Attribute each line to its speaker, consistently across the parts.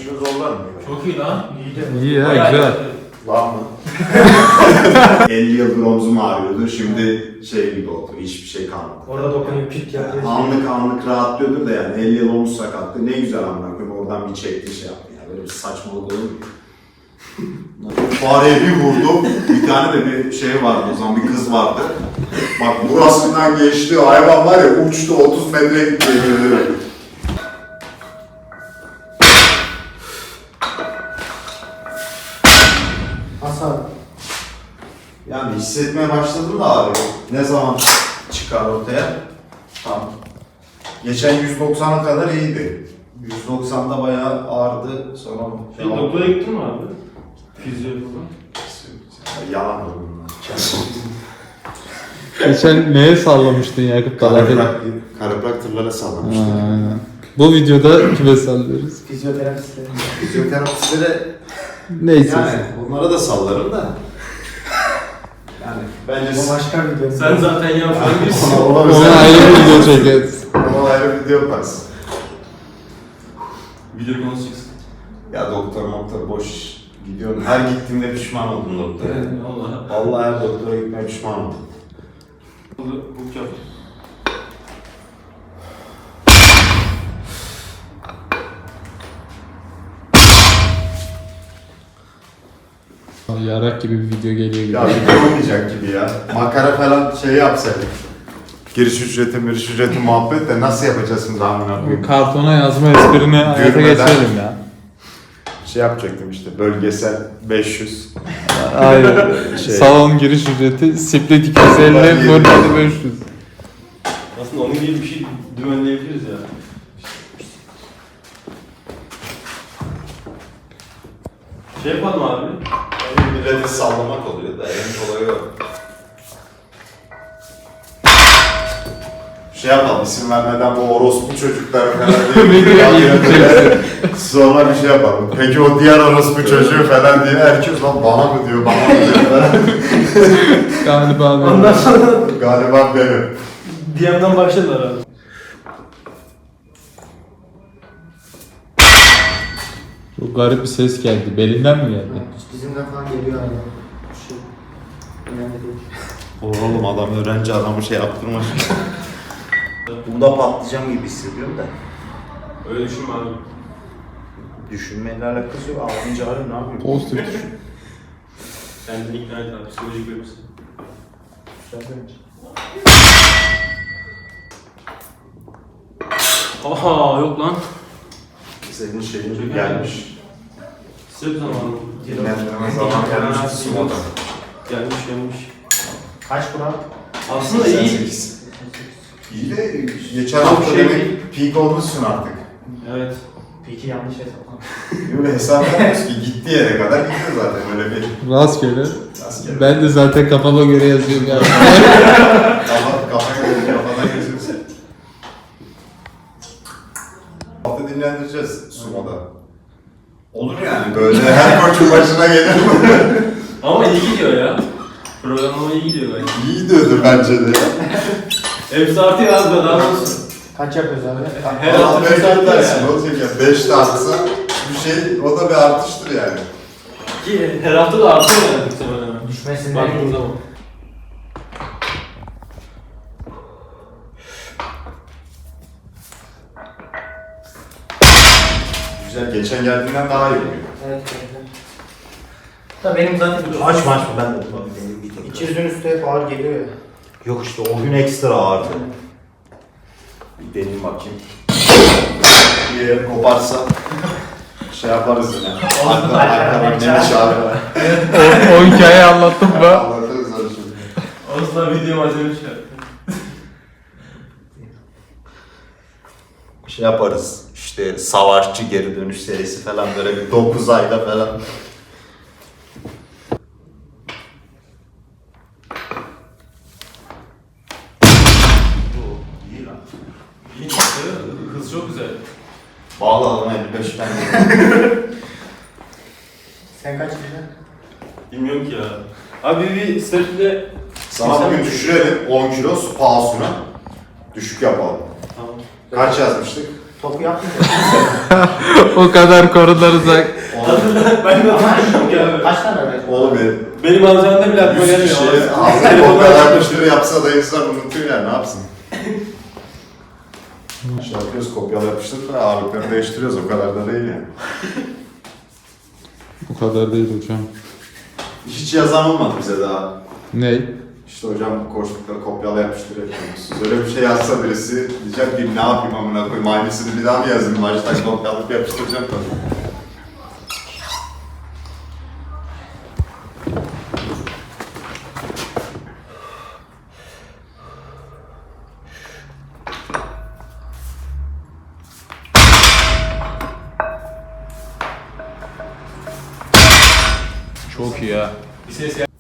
Speaker 1: işimi zorlar mı?
Speaker 2: Çok iyi lan.
Speaker 3: İyi ya, güzel.
Speaker 1: Lan mı? 50 yıldır omzum ağrıyordu. Şimdi şey gibi oldu. Hiçbir şey kalmadı.
Speaker 4: Orada dokunuyor, pit yapıyor.
Speaker 1: Anlık rahatlıyordur da yani 50 yıl omuz sakatlığı ne güzel amına koyayım. Oradan bir çekti şey yaptı. Yani böyle bir saçmalık olur mu? Fareye bir vurdu. Bir tane de bir şey vardı o zaman, bir kız vardı. Bak burasından geçti, hayvan var ya uçtu, 30 metre gitti.
Speaker 4: Hasar.
Speaker 1: Yani hissetmeye başladım da ağrıyor. Ne zaman çıkar ortaya? Tamam. Geçen 190'a kadar iyiydi. 190'da bayağı ağrıdı. Sonra
Speaker 2: Doktora gittin mi abi? Fizyo falan.
Speaker 1: Yalan oldu bunlar.
Speaker 3: Geçen neye sallamıştın Yakup Dağ'da?
Speaker 1: Karapraktörlere sallamıştım.
Speaker 3: Aynen. Bu videoda kime sallıyoruz?
Speaker 4: Fizyoterapistleri.
Speaker 1: Fizyoterapistlere
Speaker 3: Neyse.
Speaker 1: yani onlara da sallarım da. Yani bence
Speaker 4: O başka bir video.
Speaker 2: Sen zaten yapıyorsun.
Speaker 3: Ona ayrı bir video çekeriz.
Speaker 1: Ona ayrı video yaparız.
Speaker 2: Video konusu çıksın.
Speaker 1: Ya doktor boş gidiyorum. Her gittiğimde pişman oldum doktora.
Speaker 2: Vallahi.
Speaker 1: Vallahi her doktora gitmeye pişman oldum.
Speaker 2: Hook yap.
Speaker 3: Yarak gibi bir video geliyor gibi.
Speaker 1: Ya video olmayacak gibi ya. Makara falan şey yapsaydık. Giriş ücreti muhabbet de nasıl yapacağız şimdi amına
Speaker 3: Bu
Speaker 1: koyayım?
Speaker 3: kartona yazma esprini hayata
Speaker 1: Gülmeden.
Speaker 3: geçirelim ya.
Speaker 1: Şey yapacaktım işte bölgesel 500.
Speaker 3: Aynen.
Speaker 1: Şey.
Speaker 3: Salon giriş ücreti, split 250, bölgede 500.
Speaker 2: Aslında onun gibi bir şey dümenleyebiliriz ya. Şey yapalım abi.
Speaker 1: Milleti sallamak oluyor da en kolayı o. Şey yapalım, isim vermeden bu orospu çocuklar falan diye. Sonra bir şey yapalım. Peki o diğer orospu çocuğu falan diye herkes lan bana mı diyor, bana mı diyor falan.
Speaker 3: Galiba ben.
Speaker 4: Ondan sonra
Speaker 1: Galiba benim.
Speaker 4: DM'den başladılar abi.
Speaker 3: Çok garip bir ses geldi. Belinden mi geldi?
Speaker 4: Bizimden falan geliyor abi. Şu önemli değil.
Speaker 1: Oğlum adam öğrenci adamı şey yaptırmış. Bunda patlayacağım gibi hissediyorum da.
Speaker 2: Öyle düşünme abi.
Speaker 1: Düşünmeyle alakası yok. Ağlayınca ağrıyor, ne yapayım?
Speaker 3: Pozitif düşün.
Speaker 2: Kendini ikna et abi. Psikolojik verirsin.
Speaker 4: Güzel demiş.
Speaker 2: Aha yok lan.
Speaker 1: Senin şeyin gelmiş.
Speaker 2: Sırf zamanı.
Speaker 1: Dinlendirme zaman gelmiş. Sumoda.
Speaker 2: Gelmiş.
Speaker 4: Kaç kural?
Speaker 2: Aslında iyi.
Speaker 1: 88. İyi de geçen
Speaker 2: Çok
Speaker 1: hafta
Speaker 2: şey
Speaker 1: demek peak olmuşsun artık.
Speaker 2: Evet.
Speaker 4: Peki yanlış hesaplam.
Speaker 1: Böyle hesap yapmıyoruz ki gittiği yere kadar gidiyor zaten öyle bir.
Speaker 3: Rastgele.
Speaker 1: Asker.
Speaker 3: Ben de zaten kafama göre yazıyorum ya.
Speaker 1: Kafaya göre kafadan geçiyorsun. Hafta dinlendireceğiz sumoda. Olur yani böyle her koçun başına gelir.
Speaker 2: Ama iyi gidiyor ya. Programlama iyi gidiyor bence.
Speaker 1: İyi gidiyordur bence de.
Speaker 2: Hepsi artıyor az da daha olsun.
Speaker 4: Kaç yapıyoruz abi?
Speaker 2: Her hafta bir saat var
Speaker 1: dersin.
Speaker 2: yani.
Speaker 1: Olacak ya 5 de artsa bir şey, o da bir artıştır yani.
Speaker 2: Ki her hafta da artıyor yani muhtemelen.
Speaker 4: Düşmesin
Speaker 2: Baktığın
Speaker 4: değil.
Speaker 2: zaman.
Speaker 1: Güzel, geçen geldiğinden daha iyi oluyor.
Speaker 4: Evet. Da benim zaten
Speaker 1: Açma ben de.
Speaker 4: 200'ün üstü hep ağır geliyor ya.
Speaker 1: Yok işte o gün ekstra ağırdı. Bir deneyim bakayım. Bir yer koparsa şey yaparız yine. Arkadan geniş abi.
Speaker 3: O hikayeyi anlattım mı?
Speaker 1: Anlatırız öyle şimdi.
Speaker 2: Aslında video malzeme çıkar.
Speaker 1: Şey yaparız işte savaşçı geri dönüş serisi falan böyle bir 9 ayda falan. İyi lan.
Speaker 2: İyi çıktı. Hız çok güzel.
Speaker 1: Bağlı adama 55 ben.
Speaker 4: Sen kaç güzel?
Speaker 2: Bilmiyorum ki ya. Abi bir step'le...
Speaker 1: Sana bugün düşürelim 10 kilo pahasına. Düşük yapalım.
Speaker 2: Tamam.
Speaker 1: Kaç yazmıştık?
Speaker 4: Topu yaptım.
Speaker 3: O kadar konularsak.
Speaker 2: Ben de
Speaker 4: Ama
Speaker 2: hatırlıyorum ki abi.
Speaker 4: kaç tane öğrenci?
Speaker 1: Oğlum
Speaker 2: Benim antrenörde bile aklıma
Speaker 1: 100
Speaker 2: gelmiyor.
Speaker 1: kişiye
Speaker 2: ama.
Speaker 1: ağzına
Speaker 2: Telefondan
Speaker 1: kopya
Speaker 2: çıkmış.
Speaker 1: yapmıştır yapsa da insan unutuyor yani ne yapsın? Şey yapıyoruz kopyala yapıştır da ağırlıkları değiştiriyoruz o kadar da değil yani.
Speaker 3: Bu kadar değil hocam.
Speaker 1: Hiç yazan olmadı bize daha.
Speaker 3: Ney?
Speaker 1: İşte hocam koştukları kopyala yapıştır yapıyorsunuz. Öyle bir şey yazsa birisi diyecek ki ne yapayım amına koyayım aynısını bir daha mı yazayım baştan kopyalayıp yapıştıracağım tabii.
Speaker 3: Çok iyi ya.
Speaker 2: Bir ses gel.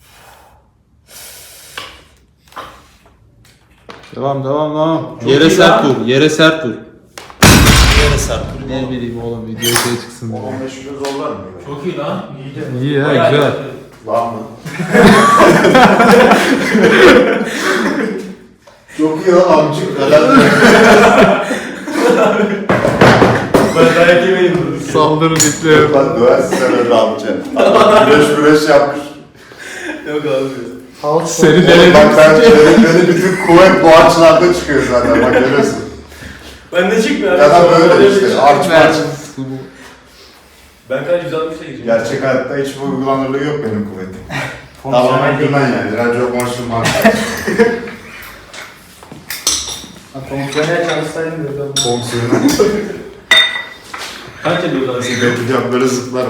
Speaker 3: Devam.
Speaker 2: Çok
Speaker 3: Yere
Speaker 2: iyi
Speaker 3: sert
Speaker 2: lan.
Speaker 3: vur. Yere sert vur.
Speaker 2: Yere sert.
Speaker 3: Ne bileyim oğlum video şey çıksın diye.
Speaker 1: 15 kilo zorlar mı?
Speaker 2: Çok iyi lan.
Speaker 3: İyi ya
Speaker 2: Bayağı
Speaker 3: güzel.
Speaker 2: iyi.
Speaker 1: Var mı? Çok iyi lan amcık.
Speaker 2: Ben dayak yemeyin bunu.
Speaker 3: Saldırı bekliyorum.
Speaker 1: Ben döversin sen öyle amca. Güreş yapmış.
Speaker 2: Yok abi.
Speaker 4: Havuç
Speaker 3: Seni
Speaker 1: Oğlum
Speaker 3: denedim.
Speaker 1: bak benim bütün kuvvet bu açılarda çıkıyor zaten bak görüyorsun.
Speaker 2: Ben de çıkmıyor abi.
Speaker 1: Ya da böyle işte arç març.
Speaker 2: Ben kaç 160'a gireceğim.
Speaker 1: Gerçek hayatta hiçbir uygulanırlığı yok benim kuvvetim. Tamamen güven yani. Radyo konuşulmaz.
Speaker 4: Fonksiyonel çalışsaydım dedim.
Speaker 1: Fonksiyonu.
Speaker 2: Kaç ediyoruz abi?
Speaker 1: Yapacağım böyle zıplarım.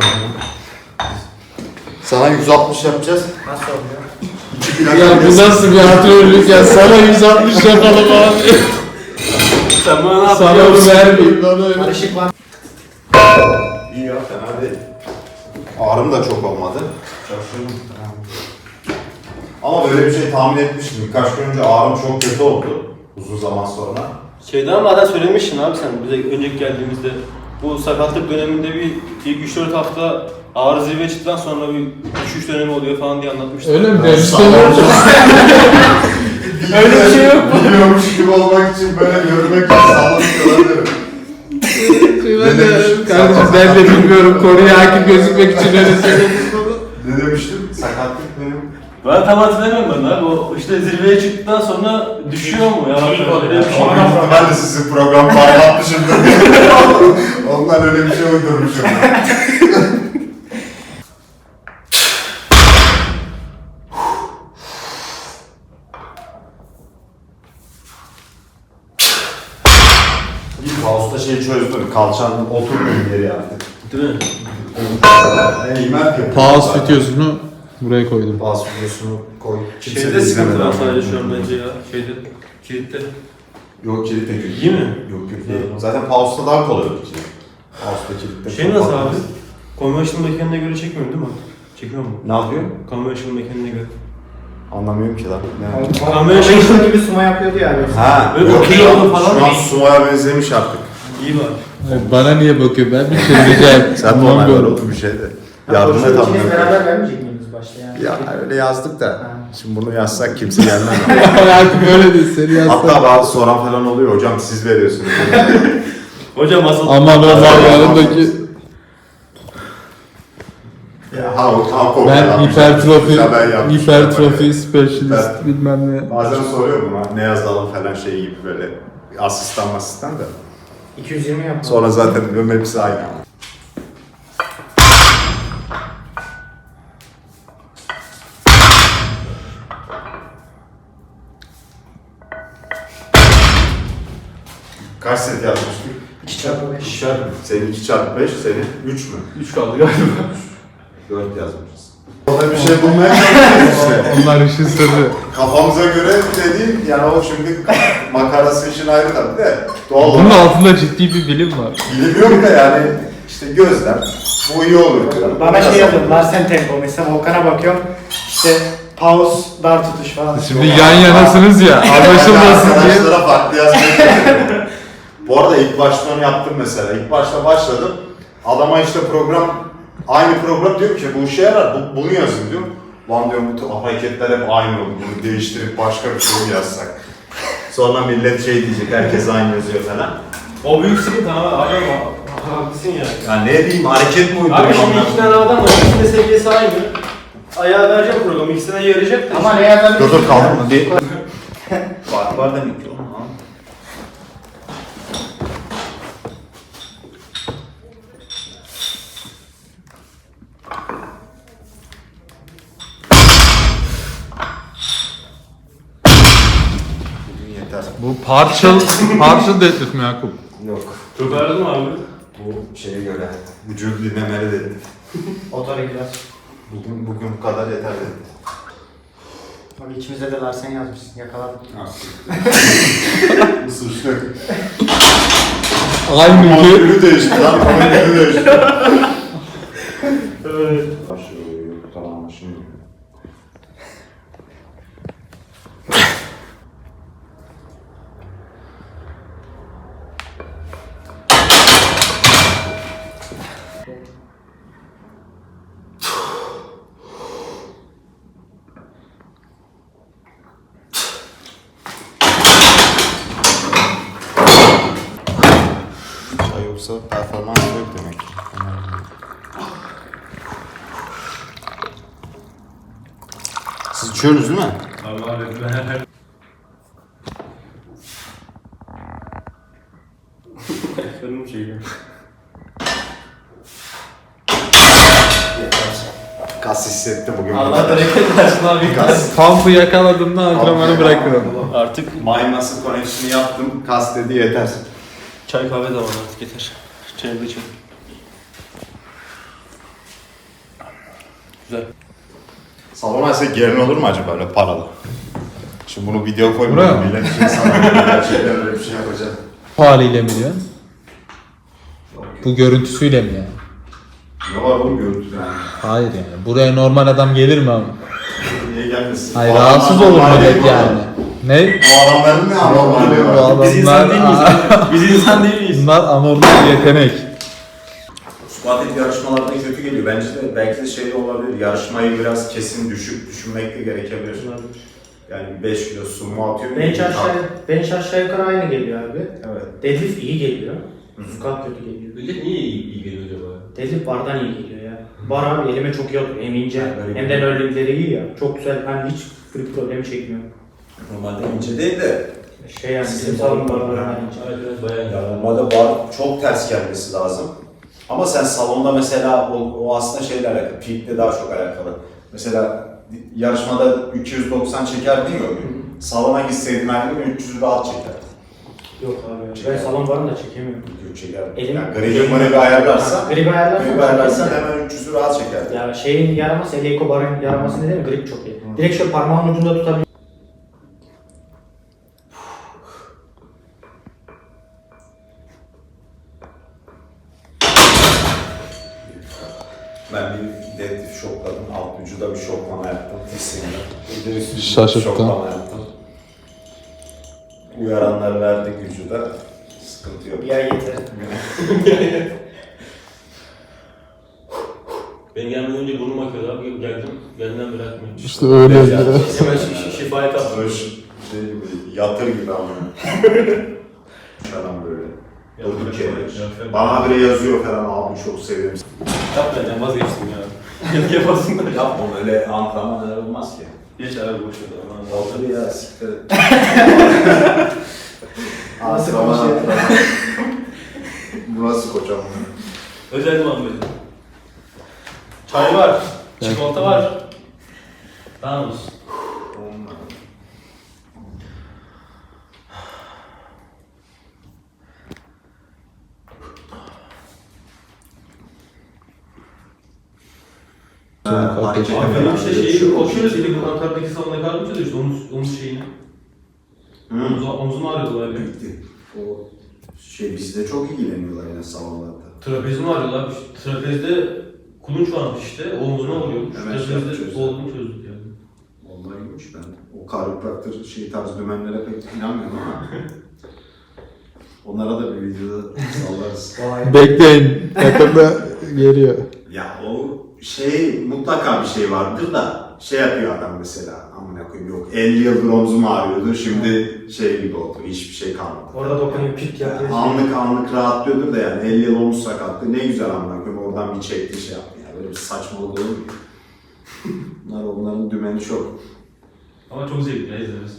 Speaker 1: Sana 160 yapacağız.
Speaker 4: Nasıl oluyor?
Speaker 1: 2 plak
Speaker 3: Ya bu
Speaker 1: yapacağız.
Speaker 3: nasıl bir antrenörlük ya? Sana 160 yapalım abi.
Speaker 2: Sen bana ne yaptın?
Speaker 3: Sana onu vermeyeyim lan öyle.
Speaker 4: Karışık var.
Speaker 1: İyi ya fena değil. Ağrım da çok olmadı. Şaşırdım. Ama böyle bir şey tahmin etmiştim. Birkaç gün önce ağrım çok kötü oldu. Uzun zaman sonra.
Speaker 2: Şeyden zaten söylemiştin abi sen bize önceki geldiğimizde. Bu sakatlık döneminde bir ilk 3-4 hafta ağrı zirveye çıktıktan sonra bir düşüş dönemi oluyor falan diye anlatmıştın.
Speaker 3: Öyle mi demiştin?
Speaker 2: Öyle bir şey yok mu?
Speaker 1: Biliyormuş gibi olmak için böyle görmek için sallanıyorlar.
Speaker 3: Kardeşim ben de bilmiyorum. Konuya hakim gözükmek için öyle söyledim.
Speaker 1: Ne demiştim? Sakatlık benim.
Speaker 2: Ben tam hatırlamıyorum ben abi. O işte zirveye çıktıktan sonra düşüyor mu ya? Öyle bir şey
Speaker 1: Büyük ihtimalle sizin program paylaşmışımdır. Ondan öyle bir şey uydurmuşum. İlk house'da şeyi çözdüm. Kalçanın oturduğu yeri yaptık.
Speaker 2: Değil mi?
Speaker 1: Eğmen yapıyor.
Speaker 3: Pause videosunu buraya koydum.
Speaker 1: Pause videosunu koy. Kimse
Speaker 2: Şeyde
Speaker 1: de
Speaker 2: sıkıntı
Speaker 1: izlemedi
Speaker 2: var
Speaker 1: ama.
Speaker 2: sadece şu an bence ya. Şeyde, kilitte.
Speaker 1: Yok kilit de kötü.
Speaker 2: İyi mi?
Speaker 1: Yok kötü değil. Zaten pause'da daha kolay olur kilit. Pause'da kilitte.
Speaker 2: Şey nasıl abi? Conventional mekanine göre çekmiyor değil mi? Çekiyor mu?
Speaker 1: Ne yapıyor?
Speaker 2: Conventional mekanine göre.
Speaker 1: Anlamıyorum ki lan. Ne?
Speaker 4: Konvensiyon gibi suma yapıyordu ya. Böyle.
Speaker 1: Ha,
Speaker 2: Böyle
Speaker 1: yok
Speaker 2: okey
Speaker 1: şu an-
Speaker 2: oldu falan.
Speaker 1: Şu an Suma'ya benzemiş artık.
Speaker 2: İyi var.
Speaker 3: Bana niye bakıyor? Ben bir şey diyeceğim.
Speaker 1: Sen de onay var oğlum bir şey de. Yardım et
Speaker 4: İkiniz
Speaker 1: amına.
Speaker 4: beraber vermeyecek miydiniz başta yani?
Speaker 1: Ya öyle yazdık da.
Speaker 4: Ha.
Speaker 1: Şimdi bunu yazsak kimse gelmez.
Speaker 3: Artık öyle değil. Seni
Speaker 1: Hatta
Speaker 3: yazsam.
Speaker 1: bazı soran falan oluyor. Hocam siz veriyorsunuz.
Speaker 2: Hocam asıl...
Speaker 3: Aman Ömer yanındaki. Ben hipertrofi specialist bilmem ne.
Speaker 1: Bazen soruyor buna ne yazalım falan şey gibi böyle asistan da.
Speaker 4: 220 yapma.
Speaker 1: Sonra zaten diyorum hepsi aynı. Kaç set yazmıştık?
Speaker 4: 2x5.
Speaker 1: Senin 2 çarpı 5, senin 3 mü?
Speaker 2: 3 kaldı galiba.
Speaker 1: 4 yazmışız. Orada bir şey bulmaya çalışıyoruz işte.
Speaker 3: Onlar işin sırrı.
Speaker 1: Kafamıza göre dediğim yani o şimdi makarası işin ayrı da bir de doğal
Speaker 3: Bunun
Speaker 1: olarak
Speaker 3: altında ciddi bir bilim var.
Speaker 1: bilim yok da yani işte gözlem bu iyi olur.
Speaker 4: Bana şey yapıyorum, Larsen tempo. Mesela Volkan'a bakıyorum, işte pause, dar tutuş falan.
Speaker 3: Şimdi yan yanasınız ya, anlaşılmasın diye.
Speaker 1: Arkadaşlara farklı yazmaya çalışıyorum. Bu arada ilk başta onu yaptım mesela. İlk başta başladım. Adama işte aynı program diyor ki bu işe yarar, bunu yazın diyor. Lan diyorum bu hareketler hep aynı oldu. Bunu değiştirip başka bir şey mi yazsak? Sonra millet şey diyecek, herkes aynı yazıyor falan.
Speaker 2: O büyük sıkıntı abi. Adam haklısın ya.
Speaker 1: Ya ne diyeyim, hareket mi uyduruyor?
Speaker 2: Abi şimdi iki tane adam var. İkisinin de seviyesi aynı. Ayağa vereceğim programı. İkisine yarayacak da.
Speaker 4: Ama ne yazar?
Speaker 1: Dur kaldı mı? Bir... Var demek ki oğlum ha. Bugün yeter.
Speaker 3: Bu partial deadlift mi Yakup?
Speaker 1: Yok.
Speaker 2: Çok ağrıdı mı abi?
Speaker 1: Bu şeye göre vücudu dinlemeli dedim.
Speaker 4: Otoregüler.
Speaker 1: Bugün bu kadar yeter dedim.
Speaker 4: Bak içimizde de Larsen yazmışsın. Yakaladım.
Speaker 1: Bu suçlu.
Speaker 3: Aynı ki.
Speaker 1: Ürü değişti lan. Ürü değişti.
Speaker 2: Evet.
Speaker 1: Tamam şimdi. Yoksa performans yok demek. Siz içiyorsunuz değil mi?
Speaker 2: Abi ben her... Benim şeyim.
Speaker 1: Kas hissetti bugün.
Speaker 2: Allah bereket versin abi.
Speaker 1: Kas.
Speaker 3: Pump'ı yakaladığımda antrenmanı bırakırım.
Speaker 2: Artık
Speaker 1: Mayması koneksiyonu yaptım. Kas dedi yeter.
Speaker 2: çay kahve zamanı artık yeter. Çayı da içelim. Güzel.
Speaker 1: Salona ise gelin olur mu acaba öyle paralı? Şimdi bunu video
Speaker 3: Buraya
Speaker 1: koymayalım.
Speaker 3: mı?
Speaker 1: Millet şey sanır. Gerçekten öyle bir şey yapacağım.
Speaker 3: Bu haliyle mi diyorsun? Bu görüntüsüyle mi yani?
Speaker 1: Ne var oğlum görüntü yani?
Speaker 3: Hayır yani. Buraya normal adam gelir mi abi?
Speaker 1: Niye gelmesin?
Speaker 3: Hayır
Speaker 1: Bu
Speaker 3: rahatsız
Speaker 1: adamlar
Speaker 3: olur
Speaker 1: normal
Speaker 3: millet
Speaker 1: değil mi
Speaker 3: yani.
Speaker 1: oğlum?
Speaker 3: Ne?
Speaker 1: Bu adamların ne anormalliği
Speaker 3: Bu
Speaker 1: var?
Speaker 3: adamlar-
Speaker 2: Biz insan değil miyiz? Biz insan değil miyiz?
Speaker 3: Bunlar anormal bir yetenek.
Speaker 1: Squat yarışmalarda kötü geliyor. Bence de belki de şey de olabilir. Yarışmayı biraz kesin düşük düşünmek de gerekebilir. Yani 5 kilo sumo atıyor.
Speaker 4: Bench aşağı yukarı aynı geliyor abi.
Speaker 1: Evet.
Speaker 4: Deadlift iyi geliyor. Squat kötü geliyor.
Speaker 2: Millet niye iyi geliyor acaba?
Speaker 4: Deadlift bardan iyi geliyor ya. Bar abi elime çok iyi oturuyor. Hem ince
Speaker 1: Yani
Speaker 4: hem de nörlingleri iyi ya. Çok güzel. Ben hiç grip problemi çekmiyorum.
Speaker 1: Normalde ince değil de.
Speaker 4: Şey yani bizim salon barlarından ince.
Speaker 2: Evet evet bayağı iyi.
Speaker 1: Ya normalde bar çok ters gelmesi lazım. Ama sen salonda mesela o aslında şeyle alakalı. Peak'le daha çok alakalı. Mesela yarışmada 290 çeker değil mi o gün? Salona gitseydin aynı gün 300 rahat çeker.
Speaker 4: Yok abi. Ben salon barını da çekemiyorum.
Speaker 1: 200 çeker.
Speaker 4: Elim-
Speaker 1: Yani gribi ayarlarsa,
Speaker 4: Grip ayarlarsan
Speaker 1: hemen 300'ü rahat çeker.
Speaker 4: ya şeyin yaraması, Eleiko barın yaraması ne demek? Grip çok iyi. Direkt şöyle parmağın ucunda tutabilir.
Speaker 1: Ben bir deadlift şokladım. Alt vücuda bir şoklama yaptım. Dirseğimde. Bir de üst vücuda
Speaker 3: Şaşırttın.
Speaker 1: şoklama yaptım. Uyaranları verdik vücuda. Sıkıntı yok.
Speaker 4: Bir ay yeter.
Speaker 2: Ben gelmeden önce burnum akıyordu abi. Geldim. Benden bırakmıyor.
Speaker 3: İşte öyle.
Speaker 2: Hemen şifaya kaptım.
Speaker 1: Böyle şey gibi, yatır gibi ama. Falan böyle. Durduk yere. Bana bile yazıyor falan, abi çok seviyorum.
Speaker 2: Yap benden vazgeçtim ya. Yapasın da.
Speaker 1: Yapma öyle antrenman olmaz ki.
Speaker 2: Geç abi boş ver. Aman Allah'ım.
Speaker 1: Otur ya, siktir et.
Speaker 4: Nasıl
Speaker 1: Antrenman,
Speaker 4: konuşuyor?
Speaker 1: antrenman. Bu nasıl koçam?
Speaker 2: Özel Muhammed. Çay var. Çikolata var. Tamam mısın? Abi benim işte şeyi koşuyoruz dedik. Bu Ankara'daki salona kalmışız işte omuz şeyini. Omzum ağrıyordu abi.
Speaker 1: Bitti. O şey bizde çok ilgileniyorlar yine salonlarda.
Speaker 2: Trapezim ağrıyordu abi. Trapezde kulunç varmış işte. Omzuna vuruyormuş.
Speaker 1: Hemen şey
Speaker 2: Trapezde
Speaker 1: yapacağız.
Speaker 2: olduğunu çözdük yani.
Speaker 1: Vallahi iyiymiş ben. O chiropractor şey tarz dümenlere pek inanmıyorum ama. Onlara da bir videoda sallarız.
Speaker 3: Bekleyin. Yakında geliyor.
Speaker 1: Ya o şey mutlaka bir şey vardır da şey yapıyor adam mesela amına koyayım yok. 50 yıldır omzum ağrıyordu. Şimdi şey gibi oldu. Hiçbir şey kalmadı.
Speaker 4: Orada dokunuyor, pit yapıyor.
Speaker 1: Anlık rahatlıyordur da yani 50 yıl omuz sakatlığı ne güzel amına koyayım. Oradan bir çekti şey yaptı yani. Böyle bir saçmalık olur mu? Onların dümeni çok.
Speaker 2: Ama çok zevkli ya izlemesi.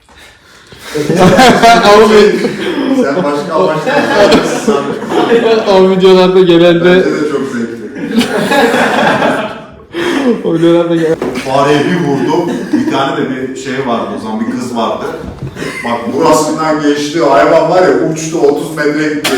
Speaker 1: Sen başka amaçlar
Speaker 3: O videolarda genelde
Speaker 1: Bence de çok zevkli.
Speaker 3: o videolarda
Speaker 1: Fareye bir vurdum. Bir tane de bir şey vardı o zaman bir kız vardı. Bak burasından geçti hayvan var ya uçtu 30 metre gitti.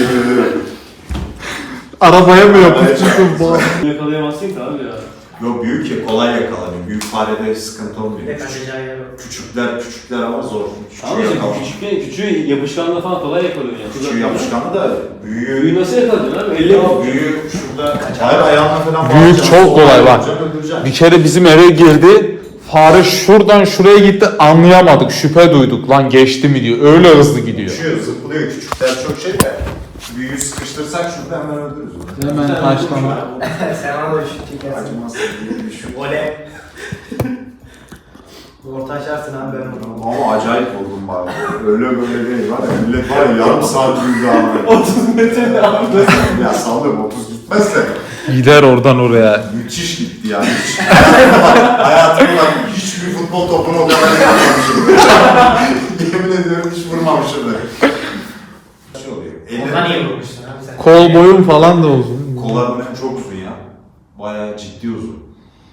Speaker 3: arabaya mı
Speaker 1: Arabaya
Speaker 3: yapıştırdın bu?
Speaker 2: Yakalayamazsın ki abi ya.
Speaker 1: Yok büyük ya kolay yakalanıyor. Büyük farede sıkıntı
Speaker 4: Bir
Speaker 1: olmuyor.
Speaker 4: de kaçacağı yer yok.
Speaker 1: Küçükler ama zor.
Speaker 2: Ama işte küçüğü yapışkanla falan kolay yakalıyor yani.
Speaker 1: Küçüğü yapışkanı da büyüğü.
Speaker 2: Büyüğü nasıl yakalayacaksın abi? Elle mi?
Speaker 1: Büyüğü şurada hayır ayağına falan
Speaker 3: Büyük
Speaker 1: bağlayacaksın,
Speaker 3: çok kolay
Speaker 1: sonra
Speaker 3: bak.
Speaker 1: öldüreceksin, öldüreceksin.
Speaker 3: Bir kere bizim eve girdi. Fare şuradan şuraya gitti, anlayamadık, şüphe duyduk. Lan geçti mi diyor. Öyle hızlı gidiyor.
Speaker 1: Uçuyor, zıplıyor. Küçükler çok şey de. Büyüğü sıkıştırsak şurada hemen öldürürüz onu.
Speaker 3: Hemen taşlama.
Speaker 4: Sen ona da şut çekersin.
Speaker 1: Acımaz diye bir şey.
Speaker 4: Oley. Orta açarsın abi ben onu.
Speaker 1: Ama acayip oldum bari. Öyle böyle değil var ya. Millet var ya yarım saat yürüdü abi.
Speaker 2: 30 metre abi.
Speaker 1: Ya sallıyorum 30 gitmez de.
Speaker 3: Gider oradan oraya.
Speaker 1: Müthiş gitti yani. Hiç. Hayatımda hiçbir futbol topunu o kadar yapmamışım. Yemin ediyorum hiç vurmamışım da. Şey oluyor.
Speaker 4: Ondan niye vurmuşsun abi sen?
Speaker 3: Kol boyun falan da uzun.
Speaker 1: Kollarım benim çok uzun ya. Bayağı ciddi uzun.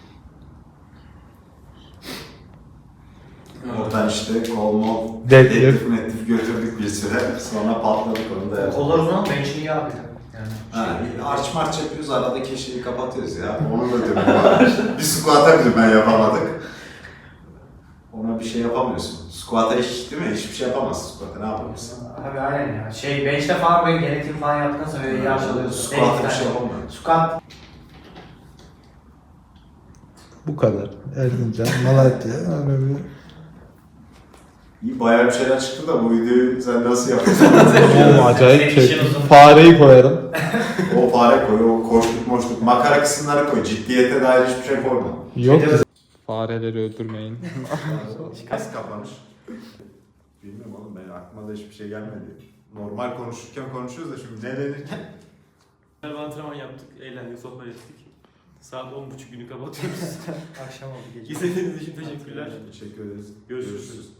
Speaker 1: Oradan işte kol mol
Speaker 3: Deadlift.
Speaker 1: deadlift götürdük bir süre. Sonra patladık onu da.
Speaker 4: Kollar uzun ama bench'ini iyi abi. Yani.
Speaker 1: Ha, arç març yapıyoruz arada keşeyi kapatıyoruz ya. Onun da dönümü var. Bir squat'a bile ben yapamadık. Ona bir şey yapamıyorsun. Squat'a hiç değil mi? Hiçbir şey yapamazsın squat'a. Ne yapamazsın?
Speaker 4: Abi aynen ya. Bench'te falan böyle genetik falan yaptıktan sonra öyle yağış alıyorsun.
Speaker 1: Squat'ta bir şey yapamıyor.
Speaker 4: Squat.
Speaker 3: Bu kadar. Erzincan, Malatya, öyle bir...
Speaker 1: İyi bayağı bir şeyler çıktı da bu videoyu sen nasıl yapıyorsun?
Speaker 3: Oğlum acayip
Speaker 4: Senin işin
Speaker 3: çektim.
Speaker 4: uzun.
Speaker 3: Fareyi koyarım.
Speaker 1: O fare koy, o koştuk moştuk, makara kısımları koy. Ciddiyete dair hiçbir şey koyma.
Speaker 3: Yok. Fareleri öldürmeyin.
Speaker 1: Nasıl kapanış? Bilmiyorum oğlum benim aklıma da hiçbir şey gelmedi. Normal konuşurken konuşuyoruz da şimdi ne denir ki?
Speaker 2: Bir antrenman yaptık, eğlendik, sohbet ettik. Saat 10.30 günü kapatıyoruz.
Speaker 4: Akşam oldu gece.
Speaker 2: İzlediğiniz için teşekkürler.
Speaker 1: Teşekkür ederiz.
Speaker 2: Görüşürüz.